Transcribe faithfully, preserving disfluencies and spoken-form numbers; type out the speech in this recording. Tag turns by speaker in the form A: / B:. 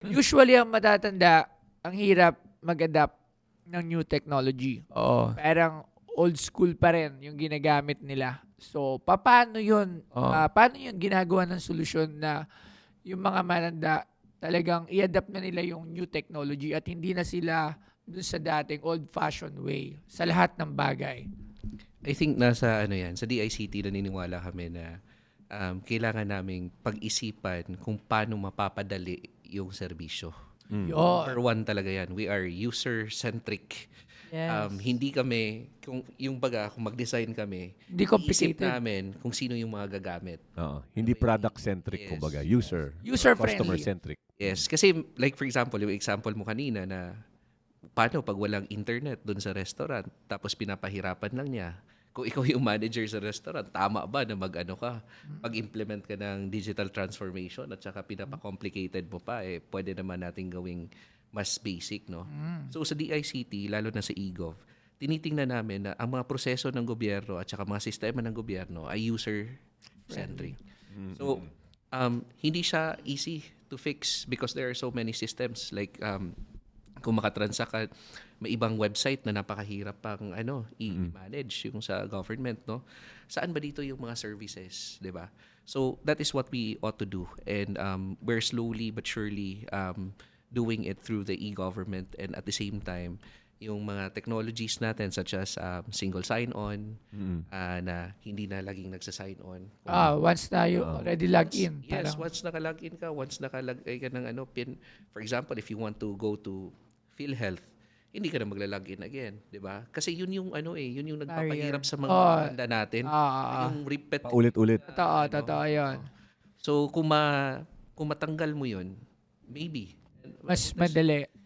A: Usually, ang matatanda, ang hirap mag-adapt ng new technology.
B: Oo.
A: Parang old school pa rin yung ginagamit nila. So, paano yun?
B: Oo.
A: Ah, paano yun ginagawa ng solusyon na yung mga mananda talagang i-adapt na nila yung new technology at hindi na sila dun sa dating old-fashioned way sa lahat ng bagay?
C: I think nasa ano yan, sa D I C T naniniwala kami na um, kailangan naming pag-isipan kung paano mapapadali yung serbisyo.
A: Yun.
C: Number one talaga yan. We are user-centric.
A: Yes.
C: Um, hindi kami, kung, yung baga, kung mag-design kami,
A: Hindi
C: isip
A: complicated.
C: namin kung sino yung mga gagamit.
B: Oo. Hindi product-centric,
C: Yes.
B: kumbaga. User.
A: User-friendly.
B: Customer-centric.
C: Yes, kasi like for example, yung example mo kanina na paano pag walang internet dun sa restaurant tapos pinapahirapan lang niya. Kung ikaw yung manager sa restaurant, tama ba na mag-ano ka, pag-implement ka ng digital transformation at saka pinapa-complicated mo pa, eh, pwede naman natin gawing mas basic, no? So sa D I C T, lalo na sa eGov, tinitingnan namin na ang mga proseso ng gobyerno at saka mga sistema ng gobyerno ay user-centric. So, um, hindi siya easy to fix because there are so many systems. Like, um, kung makatransact ka, may ibang website na napakahirap pang ano, i-manage yung sa government, no? Saan ba dito yung mga services, di ba? So, that is what we ought to do. And um, we're slowly but surely um, doing it through the e-government, and at the same time, yung mga technologies natin such as um, single sign-on, ah, na hindi na laging nagsa-sign on.
A: Ah, once na you already log in.
C: Yes,
A: parang-
C: once naka-log in ka, once nakalagay ka ng ano, pin, for example, if you want to go to PhilHealth, hindi ka na magla-log in again, di ba? Kasi yun yung ano eh, yun yung nagpapahirap sa mga
A: Oh.
C: tanda natin.
A: Ah, ah, ah.
C: Yung repeat.
B: Paulit-ulit.
A: Totoo, totoo yun.
C: So, kung, ma, kung matanggal mo yun, maybe.
A: Mas madali.